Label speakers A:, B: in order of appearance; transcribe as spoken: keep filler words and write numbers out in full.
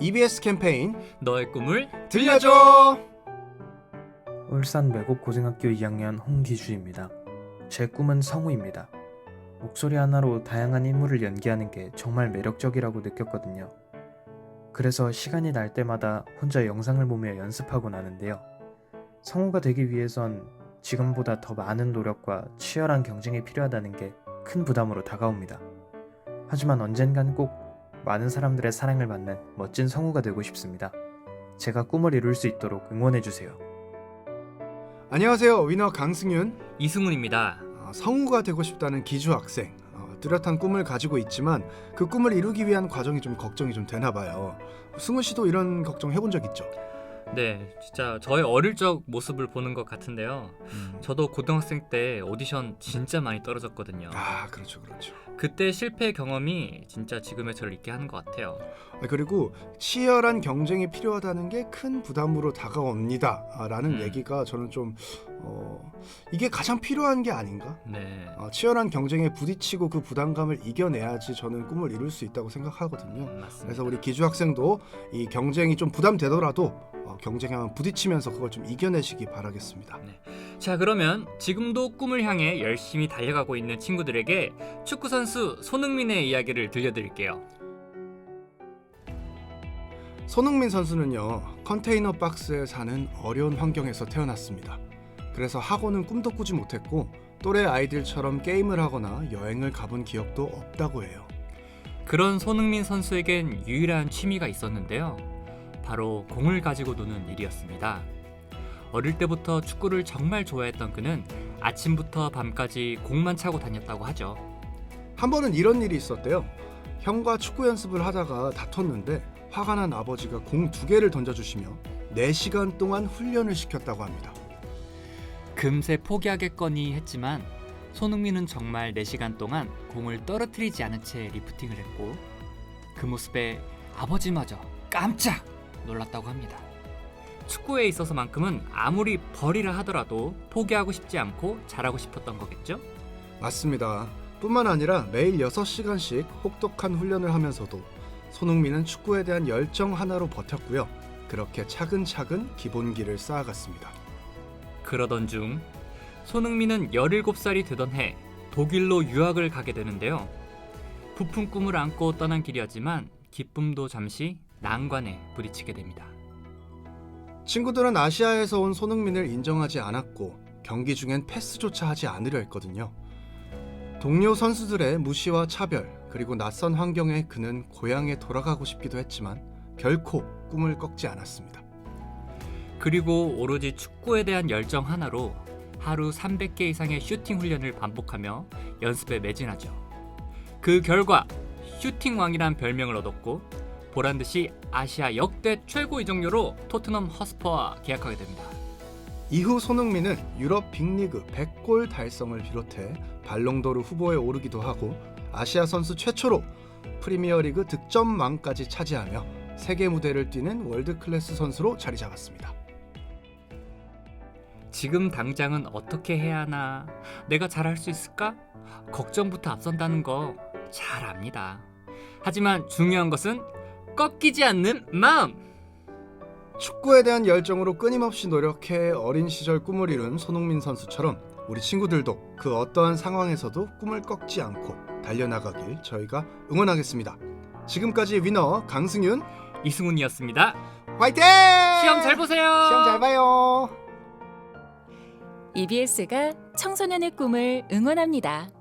A: 이비에스 캠페인
B: 너의 꿈을
A: 들려줘.
C: 울산 매곡고등학교 이 학년 홍기주입니다. 제 꿈은 성우입니다. 목소리 하나로 다양한 인물을 연기하는 게 정말 매력적이라고 느꼈거든요. 그래서 시간이 날 때마다 혼자 영상을 보며 연습하고 나는데요. 성우가 되기 위해선 지금보다 더 많은 노력과 치열한 경쟁이 필요하다는 게 큰 부담으로 다가옵니다. 하지만 언젠간 꼭 많은 사람들의 사랑을 받는 멋진 성우가 되고 싶습니다. 제가 꿈을 이룰 수 있도록 응원해주세요.
A: 안녕하세요, 위너 강승윤.
B: 이승훈입니다.
A: 어, 성우가 되고 싶다는 기주 학생. 어, 뚜렷한 꿈을 가지고 있지만 그 꿈을 이루기 위한 과정이 좀 걱정이 좀 되나 봐요. 승훈 씨도 이런 걱정 해본 적 있죠?
B: 네, 진짜 저의 어릴 적 모습을 보는 것 같은데요.
A: 음.
B: 저도 고등학생 때 오디션 진짜 많이 떨어졌거든요.
A: 아, 그렇죠, 그렇죠.
B: 그때 실패 경험이 진짜 지금의 저를 있게 하는 것 같아요.
A: 아, 그리고 치열한 경쟁이 필요하다는 게 큰 부담으로 다가옵니다. 아, 라는
B: 음.
A: 얘기가 저는 좀 어, 이게 가장 필요한 게 아닌가?
B: 네,
A: 어, 치열한 경쟁에 부딪히고 그 부담감을 이겨내야지 저는 꿈을 이룰 수 있다고 생각하거든요.
B: 음, 맞습니다.
A: 그래서 우리 기주 학생도 이 경쟁이 좀 부담되더라도 어, 경쟁에 한번 부딪히면서 그걸 좀 이겨내시기 바라겠습니다.
B: 자, 그러면 지금도 꿈을 향해 열심히 달려가고 있는 친구들에게 축구 선수 손흥민의 이야기를 들려드릴게요.
A: 손흥민 선수는요, 컨테이너 박스에 사는 어려운 환경에서 태어났습니다. 그래서 학원은 꿈도 꾸지 못했고 또래 아이들처럼 게임을 하거나 여행을 가본 기억도 없다고 해요.
B: 그런 손흥민 선수에겐 유일한 취미가 있었는데요. 바로 공을 가지고 노는 일이었습니다. 어릴 때부터 축구를 정말 좋아했던 그는 아침부터 밤까지 공만 차고 다녔다고 하죠.
A: 한 번은 이런 일이 있었대요. 형과 축구 연습을 하다가 다퉜는데 화가 난 아버지가 공 두 개를 던져주시며 네 시간 동안 훈련을 시켰다고 합니다.
B: 금세 포기하겠거니 했지만 손흥민은 정말 네 시간 동안 공을 떨어뜨리지 않은 채 리프팅을 했고 그 모습에 아버지마저 깜짝 놀랐다고 합니다. 축구에 있어서만큼은 아무리 벌이라 하더라도 포기하고 싶지 않고 잘하고 싶었던 거겠죠?
A: 맞습니다. 뿐만 아니라 매일 여섯 시간씩 혹독한 훈련을 하면서도 손흥민은 축구에 대한 열정 하나로 버텼고요. 그렇게 차근차근 기본기를 쌓아갔습니다.
B: 그러던 중 손흥민은 열일곱 살이 되던 해 독일로 유학을 가게 되는데요. 부푼 꿈을 안고 떠난 길이었지만 기쁨도 잠시 난관에 부딪히게 됩니다.
A: 친구들은 아시아에서 온 손흥민을 인정하지 않았고 경기 중엔 패스조차 하지 않으려 했거든요. 동료 선수들의 무시와 차별, 그리고 낯선 환경에 그는 고향에 돌아가고 싶기도 했지만 결코 꿈을 꺾지 않았습니다.
B: 그리고 오로지 축구에 대한 열정 하나로 하루 삼백 개 이상의 슈팅 훈련을 반복하며 연습에 매진하죠. 그 결과 슈팅왕이란 별명을 얻었고 보란듯이 아시아 역대 최고 이적료로 토트넘 허스퍼와 계약하게 됩니다.
A: 이후 손흥민은 유럽 빅리그 백 골 달성을 비롯해 발롱도르 후보에 오르기도 하고 아시아 선수 최초로 프리미어리그 득점왕까지 차지하며 세계 무대를 뛰는 월드클래스 선수로 자리 잡았습니다.
B: 지금 당장은 어떻게 해야 하나? 내가 잘할 수 있을까? 걱정부터 앞선다는 거 잘 압니다. 하지만 중요한 것은 꺾이지 않는 마음!
A: 축구에 대한 열정으로 끊임없이 노력해 어린 시절 꿈을 이룬 손흥민 선수처럼 우리 친구들도 그 어떠한 상황에서도 꿈을 꺾지 않고 달려나가길 저희가 응원하겠습니다. 지금까지 위너 강승윤,
B: 이승훈이었습니다.
A: 화이팅!
B: 시험 잘 보세요!
A: 시험 잘 봐요.
D: 이비에스가 청소년의 꿈을 응원합니다.